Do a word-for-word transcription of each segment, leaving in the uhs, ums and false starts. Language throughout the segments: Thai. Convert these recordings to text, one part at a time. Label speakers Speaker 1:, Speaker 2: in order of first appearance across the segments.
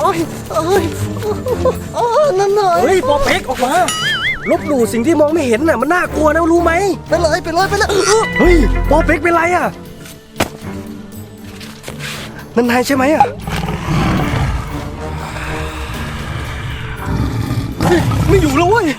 Speaker 1: อ้ยโอ้ยโอ้ยนั่นหน่อย
Speaker 2: เฮ้ยปอเป๊กออกมาลบหลู่สิ่งที่มองไม่เห็นน่ะมันน่ากลัวนะรู้ไหม
Speaker 1: ไปเลยไปเลยไปเลย
Speaker 2: เฮ้ยปอเป๊กเป็นไรอ่ะนั่นนายใช่ไหมอ่ะเฮ้ยไม่อยู่แล้วเว้ย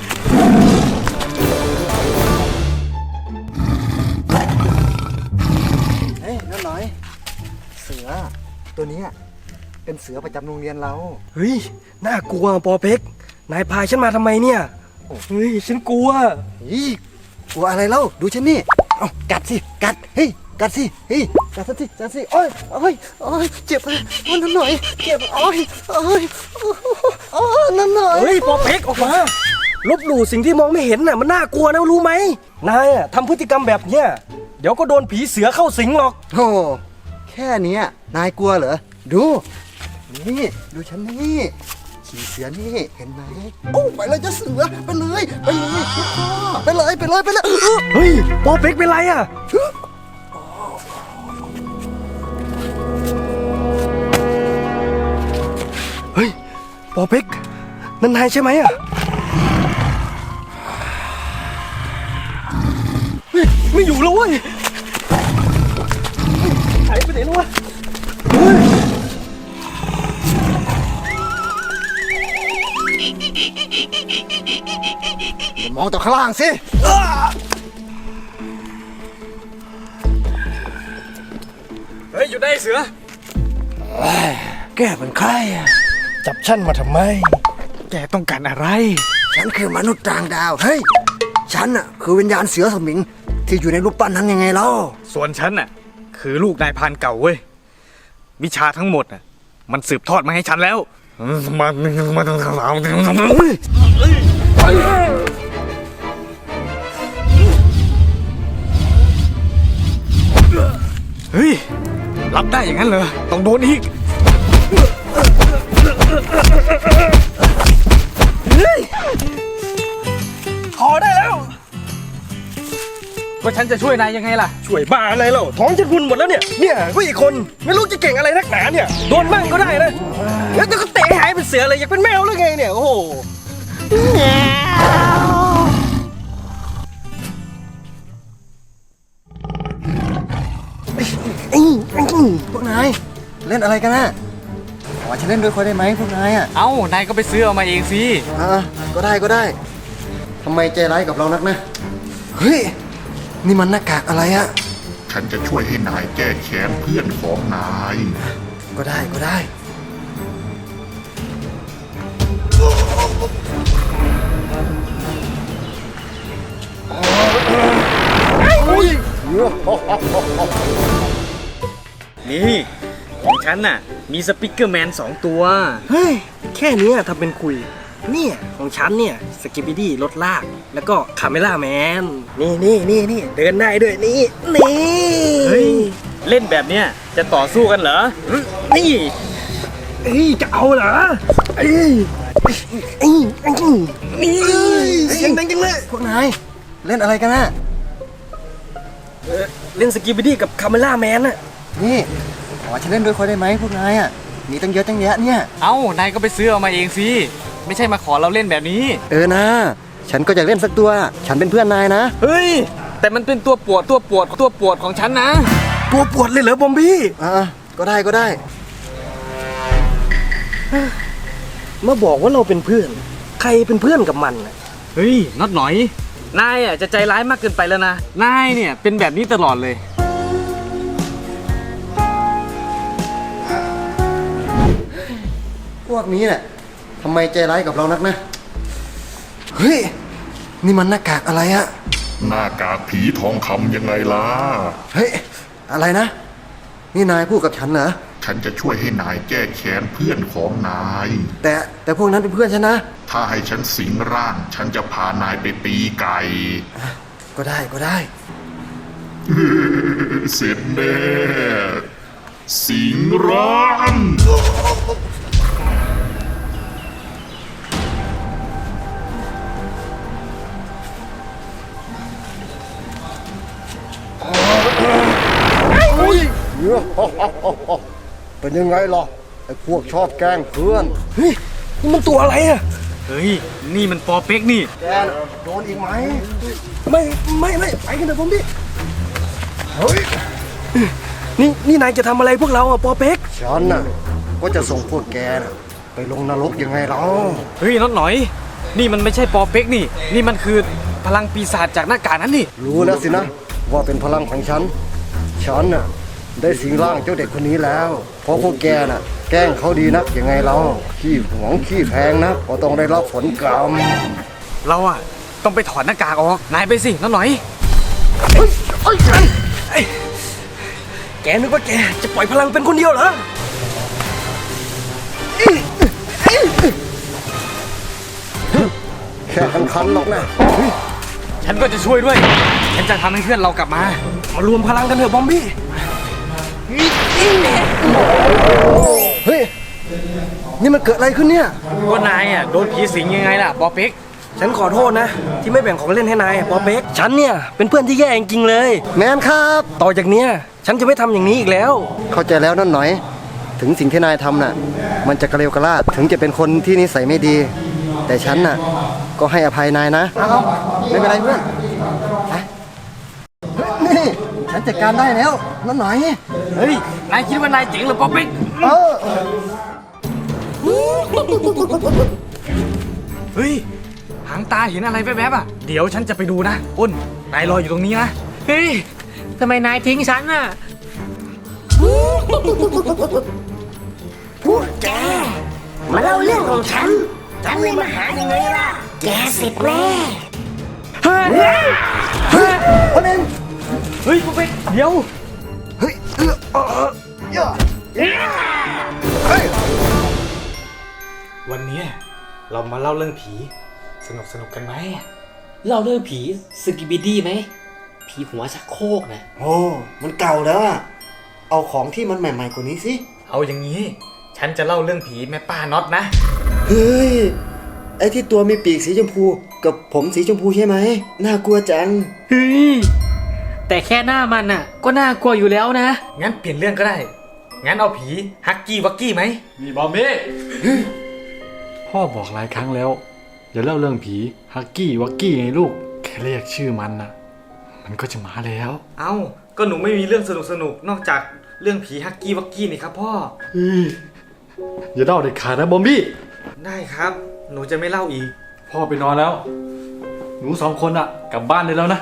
Speaker 1: เฮ้ยนั่นหน่อยเสือตัวนี้เป็นเสือประจำโรงเรียนเรา
Speaker 2: เฮ้ยน่ากลัวปอเป๊กนายพาฉันมาทำไมเนี่ยเฮ้ยฉันกลัว
Speaker 1: อีกลัวอะไรเล่าดูฉันนี่เอากัดสิกัดเฮ้ยกัดสิเฮ้ยกัดสิกัดสิโอ้ยโอ้ยโอ้ยเจ็บเลยนั่นหน่อยเจ็บโอ้ยโอ้ยโอ้ยนั่นหน่อย
Speaker 2: เฮ้ยปอเป๊กออกมาลบหลู่สิ่งที่มองไม่เห็นน่ะมันน่ากลัวนะรู้ไหมนายอ่ะทำพฤติกรรมแบบเนี้ยเดี๋ยวก็โดนผีเสือเข้าสิงหรอก
Speaker 1: โอ้แค่เนี้ยนายกลัวเหรอดูนี่ดูฉันนี่ขี่เสือนี่เห็นไหมโอ้ไปเลยจะเสือไปเลยไปเลยไปเลยไปเลยไปเลย
Speaker 2: เฮ้ยปอเป๊กเป็นไรอ่ะเฮ้ยปอเป๊กนั่นนายใช่ไหมอ่ะเฮ้ยไม่อยู่แล้วเว้ยหายไปไหนแล้ววะเฮ้ย
Speaker 1: มองต่อข้างล่างสิ
Speaker 2: เฮ้ยอยู่ได้เสือ
Speaker 1: แกเป็นใครอ่ะ
Speaker 2: จับฉันมาทำไม
Speaker 3: แกต้องการอะไร
Speaker 1: ฉันคือมนุษย์ต่างดาวเฮ้ยฉันอ่ะคือวิญญาณเสือสมิงที่อยู่ในรูปปั้นนั้นยังไงเล่า
Speaker 3: ส่วนฉันน่ะคือลูกนายพรานเก่าเว้ยวิชาทั้งหมดน่ะมันสืบทอดมาให้ฉันแล้วมันมันเฮ้ยรับได้อย่างนั้นเหรอต้องโดนอีก
Speaker 2: พอได้แล้ว
Speaker 3: ก็ฉันจะช่วยนายยังไงล่ะ
Speaker 2: ช่วยบ้าอะไรเล่าท้องฉันพุนหมดแล้วเนี่ยเนี่ยผู้อีกคนไม่รู้จะเก่งอะไรนักหนาเนี่ยโดนบ้างก็ได้นะแล้วก็เตะหายเป็นเสือเลยอยากเป็นแมวหรือไงเนี่ยโอ้โห
Speaker 1: พวกนายเล่นอะไรกันนะขอฉันเล่นด้วยคนได้ไหมพวกนายอ่ะ
Speaker 3: เอ้านายก็ไปซื้อเอามาเองสิ
Speaker 1: อ่าก็ได้ก็ได้ทำไมใจร้ายกับเรานักนะเฮ้ยนี่มันหน้ากากอะไรอะ
Speaker 4: ฉันจะช่วยให้นายแก้แค้นเพื่อนของนาย
Speaker 1: ก็ได้ก็ได้อุ้ย
Speaker 3: นี่ของฉันน่ะมีสปิกเกอร์แมนสองตัว
Speaker 2: เฮ้ยแค่นี้ทำเป็นคุยเนี่ยของฉันเนี่ยสกิปปี้ดี้รถลากแล้วก็คาเมล่าแมนนี่นี่นี่นี่เดินได้ด้วยนี่นี่
Speaker 3: เฮ้ยเล่นแบบเนี้ยจะต่อสู้กันเหรอนี่
Speaker 2: เอ้ยจะเอาเหรอเอ้ยเอ้ยเอ้ยนี่เสียงดังจังเลย
Speaker 1: พวกนายเล่นอะไรกันนะ
Speaker 2: เออเล่นสกิปปี้ดี้กับคาเมล่าแมนอะ
Speaker 1: นี่ขอฉันเล่นด้วยคนได้ไหมพวกนายอ่ะมีตั้งเยอะตั้งแยะเนี่ย
Speaker 3: เอ้านายก็ไปซื้อเอามาเองสิไม่ใช่มาขอเราเล่นแบบนี้
Speaker 1: เออนะฉันก็จะเล่นสักตัวฉันเป็นเพื่อนนายนะ
Speaker 3: เฮ้ยแต่มันเป็นตัวปวดตัวปวดตัวปวดของฉันนะ
Speaker 2: ตัวปวดเลยเหรอบอมบี้
Speaker 1: อ่าก็ได้ก็ได้
Speaker 2: มาบอกว่าเราเป็นเพื่อนใครเป็นเพื่อนกับมันอะ
Speaker 3: เฮ้ยน็อตหน่อยนายอ่ะจะใจร้ายมากเกินไปแล้วนะนายเนี่ยเป็นแบบนี้ตลอดเลย
Speaker 1: พวกนี้แหละทำไมใจร้ายกับเรานักนะเฮ้ยนี่มันหน้ากากอะไรอะ
Speaker 4: หน้ากากผีทองคำยังไงล่ะ
Speaker 1: เฮ้ยอะไรนะนี่นายพูดกับฉันเหรอ
Speaker 4: ฉันจะช่วยให้นายแก้แค้นเพื่อนของนาย
Speaker 1: แต่แต่พวกนั้นเป็นเพื่อนฉันนะ
Speaker 4: ถ้าให้ฉันสิงร่าง ฉันจะพานายไปตีไก่
Speaker 1: ก็ได้ก็ได้
Speaker 4: เสร็จแน่สิงร่าง
Speaker 1: เป็นยังไงล่ะไอ้พวกชอบแกล้งเพื่อน
Speaker 2: เฮ้ยนี่มันตัวอะไรอะ
Speaker 3: เฮ้ย นี่มันปอเป็กนี่
Speaker 1: แกน่ะโดนอีกไหม
Speaker 2: ไม่ไม่ไม่ไปกันเถอะบอมบี้เฮ้ยนี่นี่นายจะทำอะไรพวกเราอะปอเป็ก
Speaker 1: ฉันน่ะก็จะส่งพวกแกน่ะไปลงนรกยังไงเรา
Speaker 3: เฮ้ยน็อตหน่อย นี่มันไม่ใช่ปอเป็กนี่ นี่มันคือพลังปีศาจจากหน้ากากนั้นนี่
Speaker 1: รู้แล้วสินะว่าเป็นพลังของฉัน ฉันน่ะได้สิงร่างเจ้าเด็กคนนี้แล้ว เพราะพวกแกน่ะ แกล้งเขาดีนักยังไงเราขี้หวงขี้แพงนะก็ต้องได้รับผลกรรม
Speaker 3: เราอะต้องไปถอดหน้ากากออก นายไปสิน็อตหน่อย
Speaker 2: แกนึกว่าแกจะปล่อยพลังเป็นคนเดียวเหรอ
Speaker 1: แค่คันๆหรอกนะ
Speaker 3: ฉันก็จะช่วยด้วย ฉันจะทำให้เพื่อนเรากลับมา
Speaker 2: มารวมพลังกันเถอะบอมบี้
Speaker 1: เฮ้ยนี่มันเกิดอะไรขึ้นเนี่ย
Speaker 3: ว่านายอะโดนผีสิงยังไงล่ะปอเป็ก
Speaker 2: ฉันขอโทษนะ ที่ไม่แบ่งของเล่นให้นายปอเป็กฉันเนี่ยเป็นเพื่อนที่แย่จริงๆเลย
Speaker 1: แมนครับ
Speaker 2: ต่อจากเนี้ยฉันจะไม่ทำอย่างนี้อีกแล้ว
Speaker 1: เข้าใจแล้วนั่นหน่อย ถึงสิ่งที่นายทำน่ะ มันจะกระเลวกระลาดถึงจะเป็นคนที่นิสัยไม่ดี แต่ฉันน่ะ ก็ให้อภัยนายนะเอาไม่เป็นไรเพื่อนไปนี่ฉันจัดการได้แล้วนั่นหน่อย
Speaker 3: เฮ้ย นายคิดว่านายเจ๋งเหรือปอเป็ก
Speaker 1: เออ
Speaker 3: เฮ้ย หางตาเห็นอะไรแวบๆอ่ะ เดี๋ยวฉันจะไปดูนะอ้น นายรออยู่ตรงนี้นะ
Speaker 5: เฮ้ย ทำไมนายทิ้งฉันน่ะ
Speaker 6: พวกแกมาเล่าเรื่องของฉัน ฉันเลยมาหายังไงล่ะ แกเสร็จแน่
Speaker 1: คนเอง
Speaker 3: เฮ้ยปอเป็กเดี๋ยว
Speaker 1: เฮ้ยเออเออเออเยอะเฮ้ย
Speaker 3: วันนี้เรามาเล่าเรื่องผี สนุกสนุกกันไหม
Speaker 5: เราเรื่องผีสกิบิดี้ไหม ผีหัวชักโครกนะ
Speaker 1: โอ้มันเก่าแล้วอะเอาของที่มันใหม่ๆกว่านี้สิ
Speaker 3: เอาอย่างนี้ ฉันจะเล่าเรื่องผีแม่ป้าน็อตนะ
Speaker 1: เฮ้ย ไอ้ที่ตัวมีปีกสีชมพูกับผมสีชมพูใช่ไหมน่ากลัวจัง
Speaker 5: เฮ้ย แต่แค่หน้ามันน่ะ ก็น่ากลัวอยู่แล้วนะ
Speaker 3: งั้นเปลี่ยนเรื่องก็ได้ งั้นเอาผีฮักกี้วักกี้ไหม
Speaker 7: นี่บอมบี้พ่อบอกหลายครั้งแล้ว อย่าเล่าเรื่องผีฮักกี้วักกี้ไงลูก แค่เรียกชื่อมันนะมันก็จะมาแล้ว
Speaker 3: เอ้า ก็หนูไม่มีเรื่องสนุกสนุกๆนอกจากเรื่องผีฮักกี้วักกี้นี่ครับพ่อ
Speaker 7: เฮ้ยอย่าเล่าเด็ดขาดนะบอมบี้
Speaker 3: ได้ครับ หนูจะไม่เล่าอีก
Speaker 7: พ่อไปนอนแล้ว หนูสองคนอะกลับบ้านได้แล้วนะ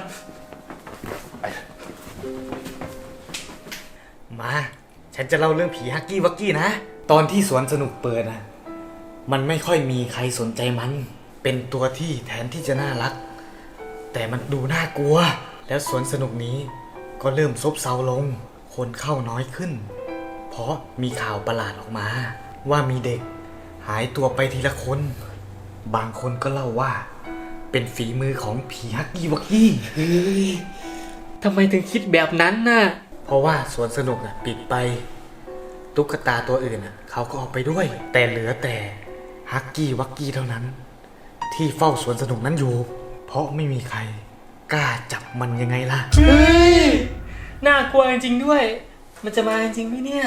Speaker 3: มา ฉันจะเล่าเรื่องผีฮักกี้วักกี้นะ ตอนที่สวนสนุกเปิดนะมันไม่ค่อยมีใครสนใจมัน เป็นตัวที่แทนที่จะน่ารัก แต่มันดูน่ากลัว แล้วสวนสนุกนี้ก็เริ่มซบเซาลง คนเข้าน้อยขึ้น เพราะมีข่าวประหลาดออกมา ว่ามีเด็กหายตัวไปทีละคน บางคนก็เล่าว่า เป็นฝีมือของผีฮักกี้วักกี้
Speaker 5: เฮ้ย ทำไมถึงคิดแบบนั้นน่ะ
Speaker 3: เพราะว่าสวนสนุกอ่ะปิดไป ตุ๊กตาตัวอื่นอ่ะเขาก็เอาไปด้วย แต่เหลือแต่ฮักกี้วักกี้เท่านั้น ที่เฝ้าสวนสนุกนั้นอยู่ เพราะไม่มีใครกล้าจับมันยังไงล่ะ
Speaker 5: เฮ้ย น่ากลัวจริงๆด้วย มันจะมาจริงไหมเนี่ย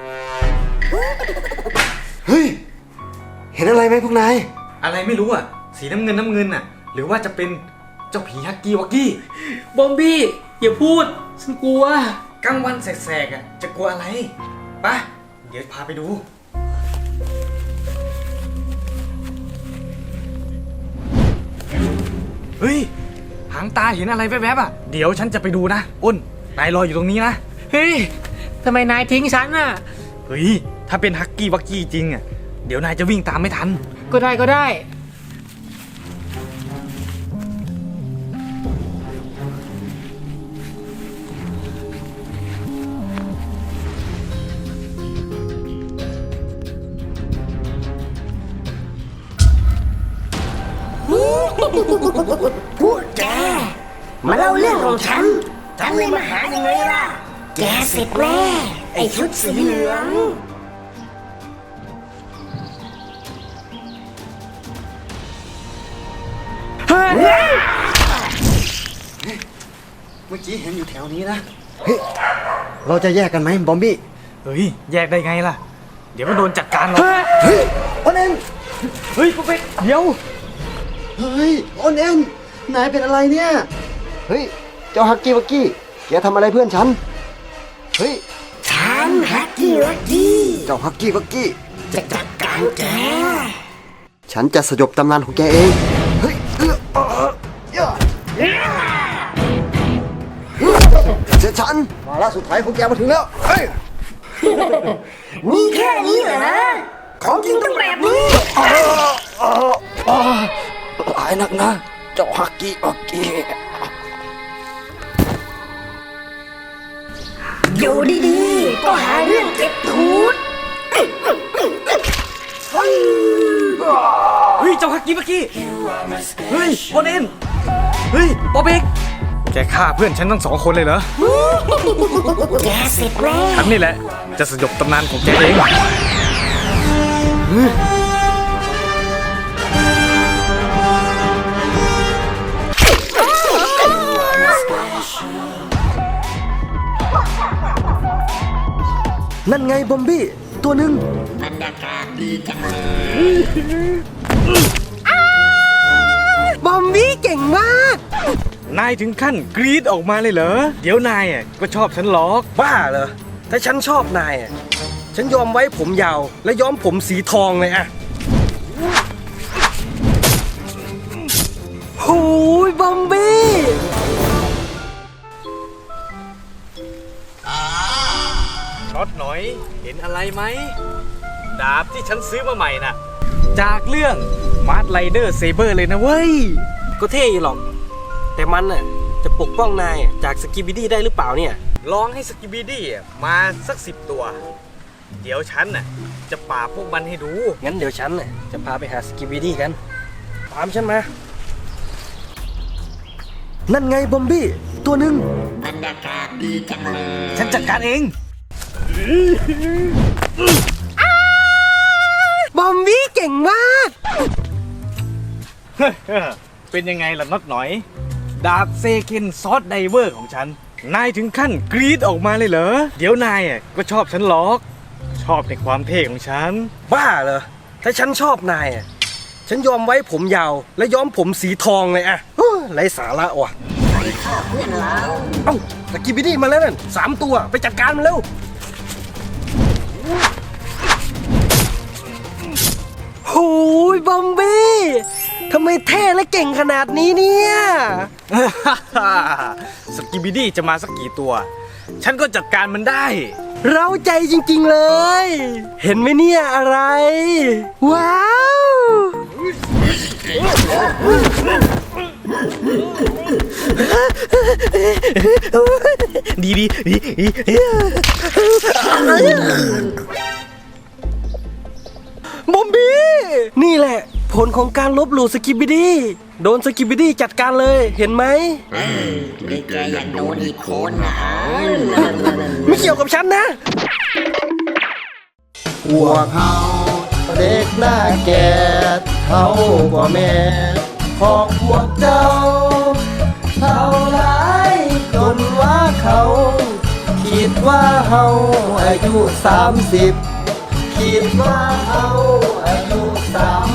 Speaker 1: เฮ้ย เห็นอะไรไหมพวกนาย
Speaker 3: อะไรไม่รู้อ่ะ สีน้ำเงินน้ำเงินอ่ะ หรือว่าจะเป็นเจ้าผีฮักกี้วักกี้
Speaker 5: บอมบี้ อย่าพูด ฉันกลัว
Speaker 3: กลางวันแสกๆอ่ะจะกลัวอะไรปะเดี๋ยวพาไปดู เฮ้ย หางตาเห็นอะไรแวบๆอ่ะ เดี๋ยวฉันจะไปดูนะอ้น นายรออยู่ตรงนี้นะ
Speaker 5: เฮ้ย ทำไมนายทิ้งฉันน่ะ
Speaker 3: เฮ้ย ถ้าเป็นฮักกี้วักกี้จริงอ่ะ เดี๋ยวนายจะวิ่งตามไม่ทัน
Speaker 5: ก็ได้ก็ได้
Speaker 6: พวกแกมาเล่าเรื่องของฉัน ฉันเลยมาหายังไงล่ะ แกเสร็จแน่ ไอชุดสีเหลือง
Speaker 1: เมื่อกี้เห็นอยู่แถวนี้นะ เฮ้ย เราจะแยกกันไหมบอมบี้
Speaker 3: เฮ้ย แยกได้ไงล่ะเดี๋ยวก็โดนจัดการหรอก
Speaker 1: เฮ้ยโอนเอ็น
Speaker 2: เฮ้ยปุ๊บเป๊กเดี๋ยว
Speaker 1: เฮ้ยโอนเอ็นนายเป็นอะไรเนี่ย เฮ้ย เจ้าฮักกี้วักกี้ แกทำอะไรเพื่อนฉัน เฮ้ย
Speaker 6: ฉันฮักกี้วักกี้
Speaker 1: เจ้าฮักกี้วักกี้
Speaker 6: จะจัดการแก
Speaker 1: ฉันจะสยบตำนานของแกเอง เฮ้ยเออเออเออเจ้าฉันมาละสุดท้ายของแกมาถึงแล้ว เฮ้ย
Speaker 6: มีแค่นี้เหรอนะ ของจริงต้องแบบนี้
Speaker 1: หลายนักนะ เจ้าฮักกี้วักกี้
Speaker 6: อยู่ดีๆ ก็หาเรื่องเก็บทูด
Speaker 3: เฮ้ย เจ้าฮักกี้เมื่อกี้ เฮ้ยโอเนนเฮ้ยป๊อปเอ็กแกฆ่าเพื่อนฉันทั้งสองคนเลยเหรอ
Speaker 6: แกเสร็จแล้ว
Speaker 3: ฉันนี่แหละ จะสยบตำนานของแกเอง
Speaker 2: นั่นไงบอมบี้ตัวหนึ่ง
Speaker 6: บรรยากาศดีจังเลย
Speaker 2: บอมบี้เก่งมาก
Speaker 3: นายถึงขั้นกรี๊ดออกมาเลยเหรอ เดี๋ยวนายอ่ะก็ชอบฉันหรอก
Speaker 2: บ้าเหรอ ถ้าฉันชอบนายอะฉันยอมไว้ผมยาว และย้อมผมสีทองเลยอะโอ้ยบอมบี้
Speaker 3: ช็อตหน่อย เห็นอะไรไหม ดาบที่ฉันซื้อมาใหม่น่ะ จากเรื่องมาร์ r ไรเดอร์เซเบอร์เลยนะเว้ย
Speaker 2: ก็เท่อยู่หรอก แต่มันน่ะจะปกป้องนายจากสกิบิดี้ได้หรือเปล่าเนี่ย
Speaker 3: ลองให้สกิบิดี้มาสักสิบตัว เดี๋ยวฉันน่ะจะปราบพวกมันให้ดู
Speaker 2: งั้นเดี๋ยวฉันน่ะจะพาไปหาสกิบิดี้กัน ตามฉันมา นั่นไงบอมบี้ตัวหนึ่ง
Speaker 6: บรรยากาศดีจังเลย
Speaker 3: ฉันจัดการเอง
Speaker 2: บอมบี้เก่งมาก
Speaker 3: เป็นยังไงล่ะน็อตหน่อย ดาบเซเคนซอสไดเวอร์ของฉัน นายถึงขั้นกรี๊ดออกมาเลยเหรอ เดี๋ยวนายอ่ะก็ชอบฉันหรอก ชอบในความเท่ของฉัน
Speaker 2: บ้าเหรอ ถ้าฉันชอบนายอ่ะ ฉันยอมไว้ผมยาว และย้อมผมสีทองเลยอะเฮ้ยไร้สาระว่ะ
Speaker 6: เพื่อนเรา
Speaker 2: เอ้าสกิบิดี้มาแล้วนั่นสามตัวไปจัดการมันเร็วโอ้ยบอมบี้ทำไมเท่และเก่งขนาดนี้เนี่ย
Speaker 3: สกิบิดี้จะมาสักกี่ตัว ฉันก็จัดการมันได้
Speaker 2: เราใจจริงๆเลย เห็นไหมเนี่ยอะไร ว้าว
Speaker 3: ดีดีดีดี
Speaker 2: บอมบี้นี่แหละ ผลของการลบหลู่สกิบิดี้โดนสกิบิดี้จัดการเลยเห็นไหม
Speaker 6: นี่แกอยากโดนอีกคนนะ
Speaker 2: ไม่เกี่ยวกับฉันนะ
Speaker 1: พวกเขาเด็กหน้าแก่เขาบ่แม่ของพวกเจ้าเท่าไรจนว่าเขา คิดว่าเฮาอายุสามสิบคิดว่าเฮาอายุสาม